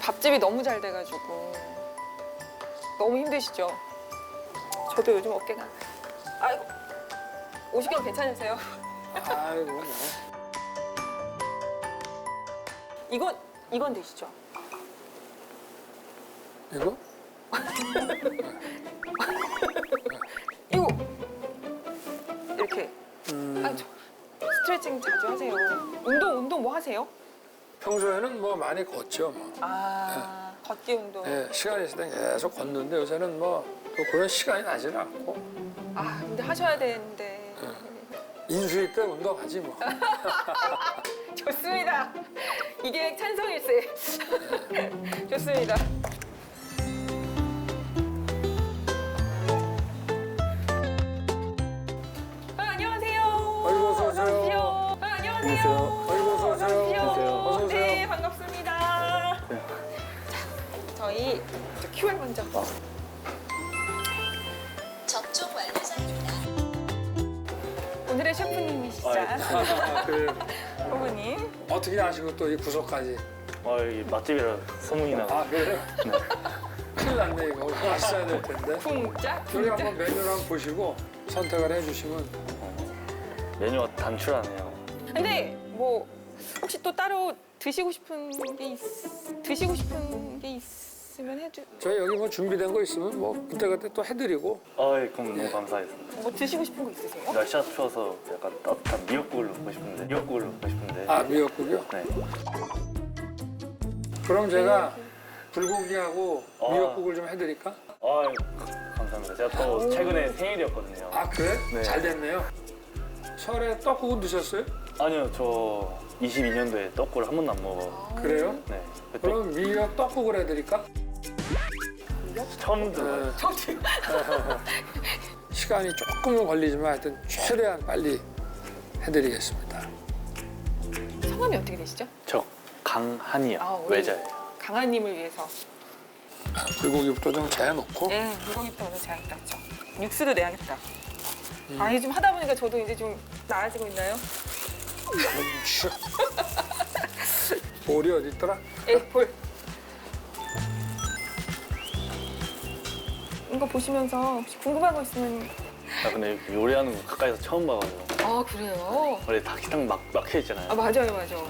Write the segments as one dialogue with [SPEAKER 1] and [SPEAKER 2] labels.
[SPEAKER 1] 밥집이 너무 잘 돼가지고 너무 힘드시죠? 저도 요즘 어깨가 아이고 50kg 괜찮으세요?
[SPEAKER 2] 아이고 뭐.
[SPEAKER 1] 이건 되시죠?
[SPEAKER 2] 이거?
[SPEAKER 1] 이거 이렇게 아니, 스트레칭 자주 하세요. 운동 뭐 하세요?
[SPEAKER 2] 평소에는 뭐 많이 걷죠. 뭐.
[SPEAKER 1] 걷기 운동.
[SPEAKER 2] 예, 시간이 있을 땐 계속 걷는데 요새는 뭐 또 그런 시간이 나지는 않고
[SPEAKER 1] 근데 하셔야 되는데.
[SPEAKER 2] 인수위 때 운동하지 뭐.
[SPEAKER 1] 좋습니다. 이게 찬성일세. 좋습니다. 안녕하세요.
[SPEAKER 2] 아이고, 어서 오세요.
[SPEAKER 1] 안녕하세요.
[SPEAKER 2] 아이고, 어서 오세요. 어서 오세요.
[SPEAKER 1] 네, 반갑습니다. 자, 저희 QR 먼저.
[SPEAKER 3] 접종 완료자입니다.
[SPEAKER 1] 오늘의 셰프님이시죠?
[SPEAKER 2] 그
[SPEAKER 1] 부부님.
[SPEAKER 2] 어떻게 아시고 또 이 부서까지?
[SPEAKER 4] 여기 맛집이라 소문이 나고.
[SPEAKER 2] 아 그래요? 큰일 났네 이거. 맛있어야 될 텐데.
[SPEAKER 1] 쿵짝
[SPEAKER 2] 여기
[SPEAKER 1] 쿵짝.
[SPEAKER 2] 한번 메뉴를 한번 보시고 선택을 해주시면.
[SPEAKER 4] 메뉴가 단출하네요.
[SPEAKER 1] 근데 뭐 혹시 또 따로 드시고 싶은 게 있으면 해주.
[SPEAKER 2] 저희 여기 뭐 준비된 거 있으면 뭐 그때그때 또 해드리고.
[SPEAKER 4] 그럼 너무 감사했습니다.
[SPEAKER 1] 뭐 드시고 싶은 거 있으세요?
[SPEAKER 4] 날씨가 추워서 약간 따뜻한 미역국을 먹고 싶은데.
[SPEAKER 2] 아 미역국이요?
[SPEAKER 4] 네.
[SPEAKER 2] 그럼 제가 불고기하고
[SPEAKER 4] 아.
[SPEAKER 2] 미역국을 좀 해드릴까?
[SPEAKER 4] 감사합니다. 제가 또 최근에 생일이었거든요.
[SPEAKER 2] 아 그래?
[SPEAKER 4] 네.
[SPEAKER 2] 잘 됐네요. 설에 떡국은 드셨어요?
[SPEAKER 4] 아니요, 저 22년도에 떡국을 한 번도 안 먹어.
[SPEAKER 2] 그래요?
[SPEAKER 4] 네. 그때
[SPEAKER 2] 그럼 미역 떡국을 해드릴까?
[SPEAKER 4] 처음 들어요.
[SPEAKER 1] 저도요.
[SPEAKER 2] 시간이 조금은 걸리지만 하여튼 최대한 빨리 해드리겠습니다.
[SPEAKER 1] 성함이 어떻게 되시죠?
[SPEAKER 4] 저 강한이요.
[SPEAKER 1] 우리
[SPEAKER 4] 외자예요.
[SPEAKER 1] 강아님을 위해서.
[SPEAKER 2] 불고기부터 좀 재놓고.
[SPEAKER 1] 네, 물고기부터 오늘 제가 죠 육수도 내야겠다. 이게 좀 하다 보니까 저도 이제 좀 나아지고 있나요?
[SPEAKER 2] 슈. 볼이 어디 있더라?
[SPEAKER 1] 볼. 이거 보시면서 혹시 궁금한 거 있으면.
[SPEAKER 4] 근데 요리하는 거 가까이서 처음 봐가지고.
[SPEAKER 1] 그래요?
[SPEAKER 4] 원래 다 식당 막혀 있잖아요.
[SPEAKER 1] 맞아요.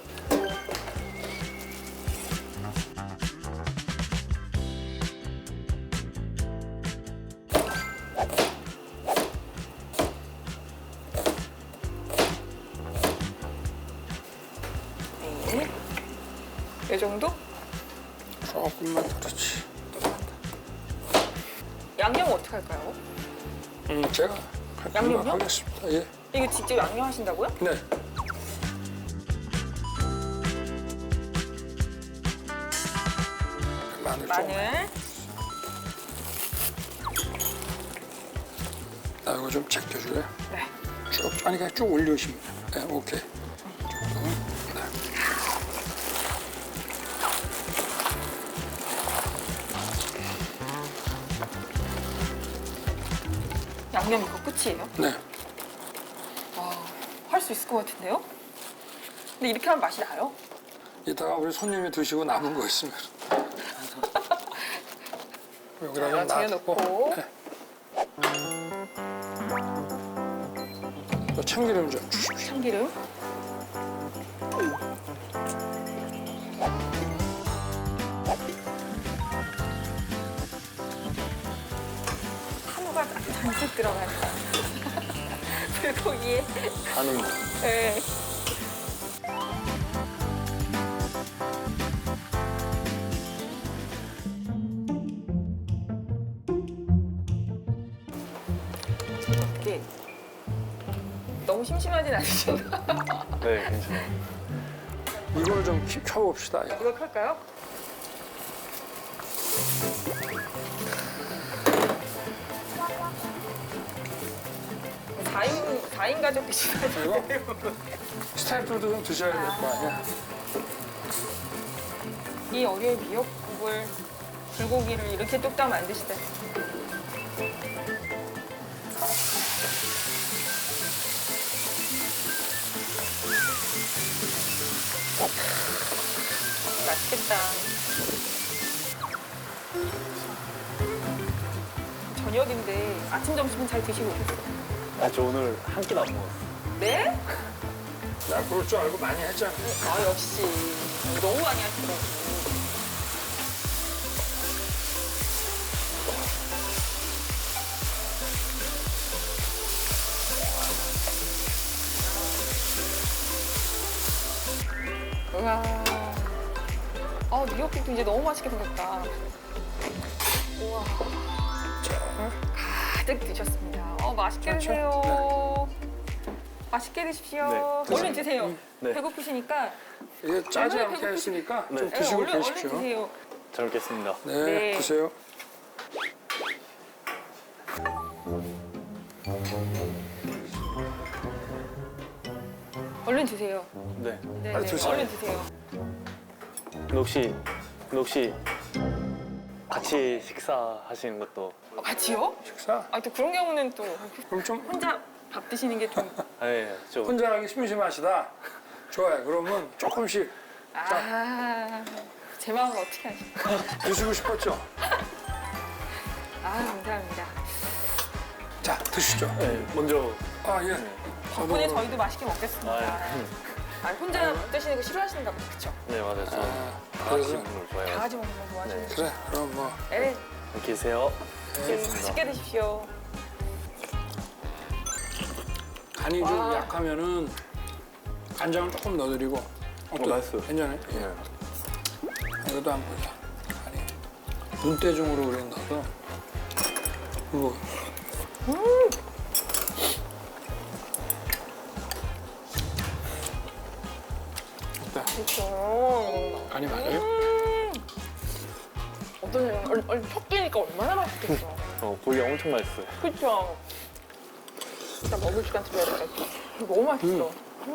[SPEAKER 1] 네. 이 정도?
[SPEAKER 2] 조금만 더 그렇지.
[SPEAKER 1] 양념 어떻게 할까요?
[SPEAKER 2] 제가
[SPEAKER 1] 양념요?
[SPEAKER 2] 하겠습니다. 예.
[SPEAKER 1] 이거 직접 양념하신다고요?
[SPEAKER 2] 네. 마늘.
[SPEAKER 1] 마늘.
[SPEAKER 2] 나 이거 좀 제껴줄래?
[SPEAKER 1] 네.
[SPEAKER 2] 쭉 아니 그냥 쭉 올려주시면 돼. 네, 오케이. 네.
[SPEAKER 1] 양념 이거 끝이에요?
[SPEAKER 2] 네.
[SPEAKER 1] 할 수 있을 것 같은데요? 근데 이렇게 하면 맛이 나요?
[SPEAKER 2] 이따가 우리 손님이 드시고 남은 거 있으면 여기다 좀 놔두고.
[SPEAKER 1] 쟁여놓고.
[SPEAKER 2] 네. 또 참기름 좀 주십시오.
[SPEAKER 1] 참기름. 한우가 잔뜩 들어가는 불고기에.
[SPEAKER 4] 하는 거.
[SPEAKER 1] 네. 이게 너무 심심하진 않으신가?
[SPEAKER 4] 네, 괜찮아요.
[SPEAKER 2] 이걸 좀 켜봅시다. 이거.
[SPEAKER 1] 이거 할까요? 사인 가족 드시나요?
[SPEAKER 2] 이거 스태프들도 좀 드셔야 될 거 아니야.
[SPEAKER 1] 이 어려운 미역국을 불고기를 이렇게 뚝딱 만드시다니. 맛있겠다. 저녁인데 아침 점심은 잘 드시고 오셨어요?
[SPEAKER 4] 아, 저 오늘 한 끼도 안 먹었어.
[SPEAKER 1] 네?
[SPEAKER 2] 나 그럴 줄 알고 많이 했잖아.
[SPEAKER 1] 아 역시 너무 많이 하시더라고요. 우와. 미역국도 이제 너무 맛있게 생겼다. 우와. 가득 드셨습니다. 맛있게
[SPEAKER 2] 그렇죠?
[SPEAKER 1] 드세요. 맛있게 드십시오.
[SPEAKER 4] 네,
[SPEAKER 1] 얼른 드세요.
[SPEAKER 4] 네.
[SPEAKER 1] 배고프시니까.
[SPEAKER 2] 이게 짜지
[SPEAKER 1] 얼마나
[SPEAKER 2] 않게 했으니까
[SPEAKER 4] 네.
[SPEAKER 2] 좀
[SPEAKER 1] 네,
[SPEAKER 2] 드시고
[SPEAKER 1] 얼른
[SPEAKER 2] 계십시오.
[SPEAKER 1] 드세요.
[SPEAKER 4] 잘 먹겠습니다.
[SPEAKER 2] 네,
[SPEAKER 1] 네.
[SPEAKER 2] 드세요.
[SPEAKER 1] 얼른 드세요.
[SPEAKER 4] 네.
[SPEAKER 1] 네,
[SPEAKER 2] 빨리
[SPEAKER 1] 네.
[SPEAKER 2] 드세요.
[SPEAKER 1] 얼른 드세요.
[SPEAKER 4] 근데 혹시 같이 식사하시는 것도
[SPEAKER 1] 같이요?
[SPEAKER 2] 식사?
[SPEAKER 1] 또 그런 경우는 또
[SPEAKER 2] 그럼 좀
[SPEAKER 1] 혼자 밥 드시는 게 좀.
[SPEAKER 4] 네, 저
[SPEAKER 2] 혼자 하기 심심하시다. 좋아요. 그러면 조금씩
[SPEAKER 1] 제 마음을 어떻게 아실까?
[SPEAKER 2] 드시고 싶었죠?
[SPEAKER 1] 감사합니다.
[SPEAKER 2] 자, 드시죠.
[SPEAKER 4] 네, 먼저
[SPEAKER 2] 예.
[SPEAKER 1] 덕분에 저희도 맛있게 먹겠습니다.
[SPEAKER 4] 아,
[SPEAKER 1] 혼자 못 드시는 거 싫어하시는가 보다, 그쵸?
[SPEAKER 4] 네, 맞아요. 저 다 같이
[SPEAKER 2] 그래서
[SPEAKER 4] 먹는 걸
[SPEAKER 1] 다
[SPEAKER 4] 좋아해요.
[SPEAKER 1] 같이 먹는 거 좋아하시는
[SPEAKER 4] 네.
[SPEAKER 2] 그래. 그럼 뭐
[SPEAKER 1] 네,
[SPEAKER 4] 이렇게 계세요.
[SPEAKER 1] 맛있게 드십시오.
[SPEAKER 2] 간이 좀 약하면은 간장을 조금 넣어드리고.
[SPEAKER 4] 맛있어요.
[SPEAKER 2] 괜찮아요?
[SPEAKER 4] 네.
[SPEAKER 2] 이것도 한번 보자. 간이 눈대중으로 우리 넣어서. 그리고
[SPEAKER 1] 그쵸.
[SPEAKER 2] 간이 맞아요?
[SPEAKER 1] 어떠세요? 얼른 섞이니까 얼마나 맛있겠어.
[SPEAKER 4] 고기 엄청 맛있어요.
[SPEAKER 1] 그쵸? 일단 먹을 시간 드려야 될 것 같아. 너무 맛있어.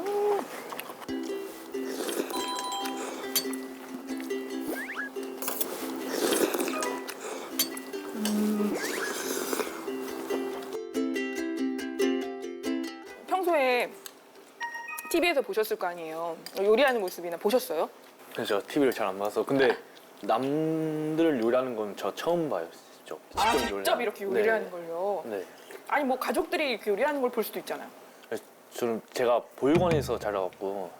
[SPEAKER 1] 평소에 TV에서 보셨을 거 아니에요. 요리하는 모습이나 보셨어요?
[SPEAKER 4] 그래서 TV를 잘 안 봐서. 근데 남들 요리하는 건 저 처음 봐요. 직접
[SPEAKER 1] 직접
[SPEAKER 4] 요리하는.
[SPEAKER 1] 이렇게
[SPEAKER 4] 네.
[SPEAKER 1] 요리하는 걸요?
[SPEAKER 4] 네.
[SPEAKER 1] 아니 뭐 가족들이 이렇게 요리하는 걸 볼 수도 있잖아요.
[SPEAKER 4] 저는 제가 보육원에서 자라갖고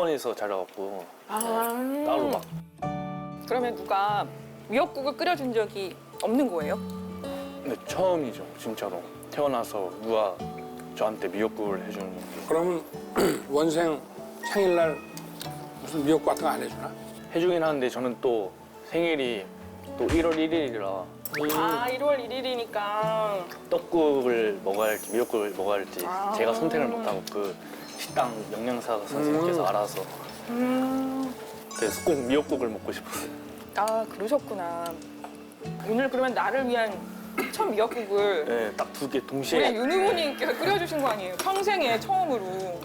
[SPEAKER 4] 따로 막
[SPEAKER 1] 그러면 누가 미역국을 끓여준 적이 없는 거예요?
[SPEAKER 4] 네, 처음이죠. 진짜로 태어나서 누가 저한테 미역국을 해주는 게.
[SPEAKER 2] 그러면 원생 생일날 무슨 미역국 같은 거 안 해주나?
[SPEAKER 4] 해주긴 하는데 저는 또 생일이 또 1월 1일이라
[SPEAKER 1] 1월 1일이니까
[SPEAKER 4] 떡국을 먹어야 할지 미역국을 먹어야 할지 제가 선택을 못하고 그 식당 영양사 선생님께서 알아서 그래서 꼭 미역국을 먹고 싶었어요.
[SPEAKER 1] 그러셨구나. 오늘 그러면 나를 위한 첫 미역국을
[SPEAKER 4] 네, 딱 두 개
[SPEAKER 1] 우리
[SPEAKER 4] 동시에.
[SPEAKER 1] 윤 후보님께서 끓여주신 거 아니에요? 평생에 처음으로.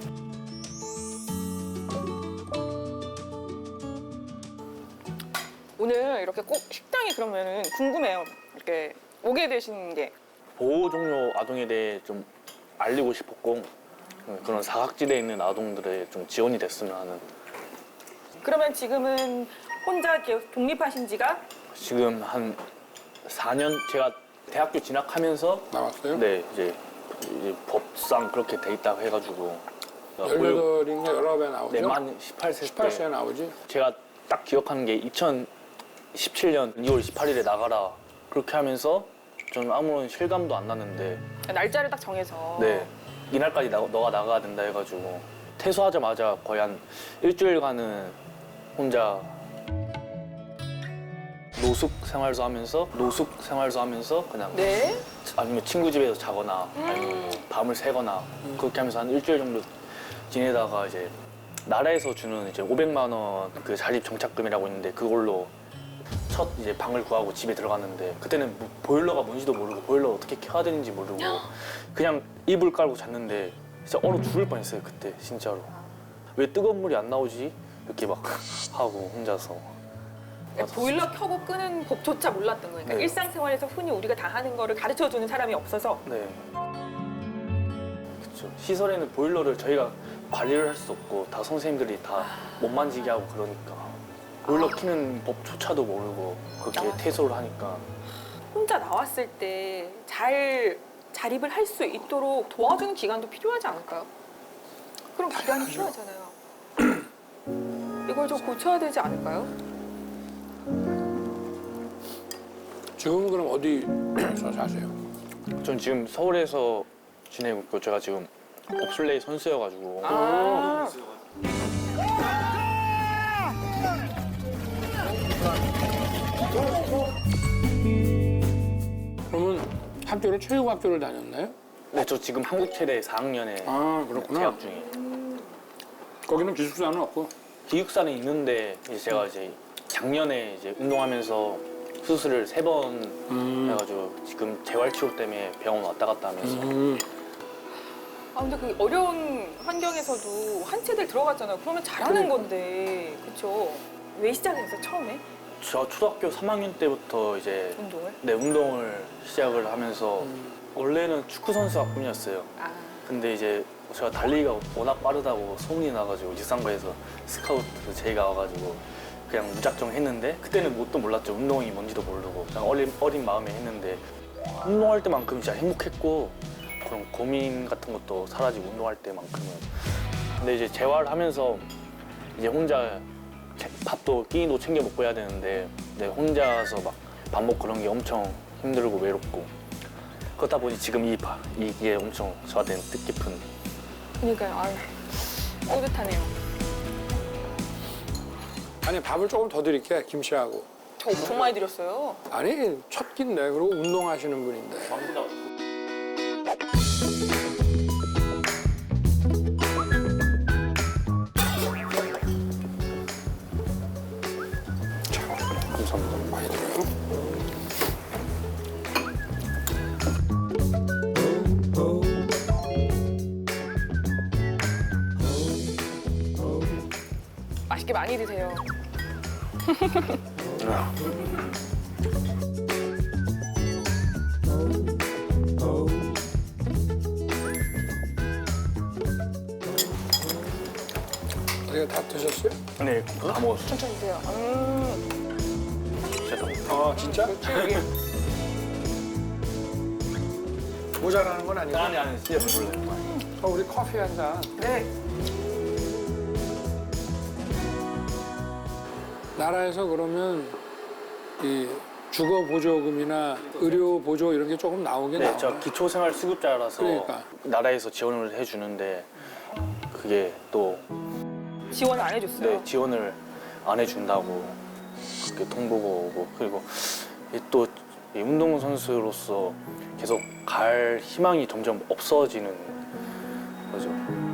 [SPEAKER 1] 오늘 이렇게 꼭 식당이 그러면은 궁금해요. 이렇게 오게 되신 게.
[SPEAKER 4] 보호 종료 아동에 대해 좀 알리고 싶었고 그런 사각지대에 있는 아동들의 좀 지원이 됐으면 하는.
[SPEAKER 1] 그러면 지금은 혼자 이렇게 독립하신 지가
[SPEAKER 4] 지금 한 4년 제가 대학교 진학하면서
[SPEAKER 2] 나왔어요?
[SPEAKER 4] 네 이제 법상 그렇게 돼 있다고 해가지고
[SPEAKER 2] 18인가 19에 나오죠?
[SPEAKER 4] 네, 만 18세
[SPEAKER 2] 18세에 나오지?
[SPEAKER 4] 제가 딱 기억하는 게 2017년 2월 28일에 나가라 그렇게 하면서 저는 아무런 실감도 안 났는데
[SPEAKER 1] 날짜를 딱 정해서.
[SPEAKER 4] 네 이날까지 너가 나가야 된다 해가지고 퇴소하자마자 거의 한 일주일간은 혼자 노숙 생활도 하면서 그냥
[SPEAKER 1] 네?
[SPEAKER 4] 아니면 친구 집에서 자거나 아니면 뭐 밤을 새거나 그렇게 하면서 한 일주일 정도 지내다가 이제 나라에서 주는 이제 500만 원 그 자립 정착금이라고 있는데 그걸로 첫 이제 방을 구하고 집에 들어갔는데 그때는 뭐 보일러가 뭔지도 모르고 보일러 어떻게 켜야 되는지 모르고 그냥 이불 깔고 잤는데 진짜 얼어 죽을 뻔했어요 그때 진짜로. 왜 뜨거운 물이 안 나오지? 이렇게 막 하고 혼자서.
[SPEAKER 1] 보일러 켜고 끄는 법조차 몰랐던 거예요. 그러니까
[SPEAKER 4] 네.
[SPEAKER 1] 일상생활에서 흔히 우리가 다 하는 거를 가르쳐주는 사람이 없어서.
[SPEAKER 4] 네. 그렇죠. 시설에는 보일러를 저희가 관리를 할 수 없고 다 선생님들이 다 못 만지게 하고 그러니까 보일러 켜는 법조차도 모르고 그렇게 퇴소를 하니까
[SPEAKER 1] 혼자 나왔을 때 잘 자립을 할 수 있도록 도와주는 기간도 필요하지 않을까요? 그럼 기간이 필요하잖아요. 이걸 좀 고쳐야 되지 않을까요?
[SPEAKER 2] 지금은 그럼 어디서 사세요?
[SPEAKER 4] 전 지금 서울에서 지내고 있고 제가 지금 봅슬레이 선수여가지고
[SPEAKER 1] 아,
[SPEAKER 2] 그러면 학교를 체육학교를 다녔나요?
[SPEAKER 4] 네, 저 지금 한국체대 4학년에
[SPEAKER 2] 아 그렇구나.
[SPEAKER 4] 재학 중이에요.
[SPEAKER 2] 거기는 기숙사는 없고.
[SPEAKER 4] 기숙사는 있는데 이제 제가 이제 작년에 이제 운동하면서 수술을 3번 해가지고 지금 재활치료 때문에 병원 왔다 갔다 하면서
[SPEAKER 1] 아 근데 그 어려운 환경에서도 한 체들 들어갔잖아요. 그러면 잘하는 건데, 그렇죠? 왜 시작했어요 처음에
[SPEAKER 4] 저 초등학교 3학년 때부터 이제
[SPEAKER 1] 운동을?
[SPEAKER 4] 네, 운동을 시작을 하면서 원래는 축구 선수가 꿈이었어요.
[SPEAKER 1] 아,
[SPEAKER 4] 근데 이제 제가 달리기가 워낙 빠르다고 소문이 나가지고 지상과에서 스카우트 제의가 와가지고 그냥 무작정 했는데 그때는 뭣도 몰랐죠. 운동이 뭔지도 모르고 그냥 어린 마음에 했는데 운동할 때만큼 진짜 행복했고 그런 고민 같은 것도 사라지고 운동할 때만큼은. 근데 이제 재활하면서 이제 혼자 밥도 끼니도 챙겨 먹고 해야 되는데 네, 혼자서 막 밥 먹고 그런 게 엄청 힘들고 외롭고 그러다 보니 지금 이게 엄청 저한테는 뜻깊은.
[SPEAKER 1] 그러니까요. 아, 뿌듯하네요.
[SPEAKER 2] 아니 밥을 조금 더 드릴게 김치하고.
[SPEAKER 1] 저 엄청 많이 드렸어요.
[SPEAKER 2] 아니 첫 끼인데 그리고 운동하시는 분인데.
[SPEAKER 4] 감사합니다.
[SPEAKER 2] 많이 들어요.
[SPEAKER 1] 맛있게 많이 드세요.
[SPEAKER 2] 어디가 다 드셨어요?
[SPEAKER 4] 네, 다 먹었어요.
[SPEAKER 1] 천천히 드세요.
[SPEAKER 4] 진짜 다 먹었어요.
[SPEAKER 2] 아 진짜?
[SPEAKER 1] 여기
[SPEAKER 2] 모자라는 건 아니고.
[SPEAKER 4] 아니, 진짜 배불러요.
[SPEAKER 2] 우리 커피 한 잔.
[SPEAKER 1] 네.
[SPEAKER 2] 나라에서 그러면 이 주거 보조금이나 의료 보조 이런 게 조금 나오긴
[SPEAKER 4] 네,
[SPEAKER 2] 나와요.
[SPEAKER 4] 저 기초생활수급자라서
[SPEAKER 2] 그러니까.
[SPEAKER 4] 나라에서 지원을 해주는데 그게 또
[SPEAKER 1] 지원 안 해줬어요.
[SPEAKER 4] 네, 지원을 안 해준다고 그렇게 통보가 오고 그리고 또 운동선수로서 계속 갈 희망이 점점 없어지는 거죠.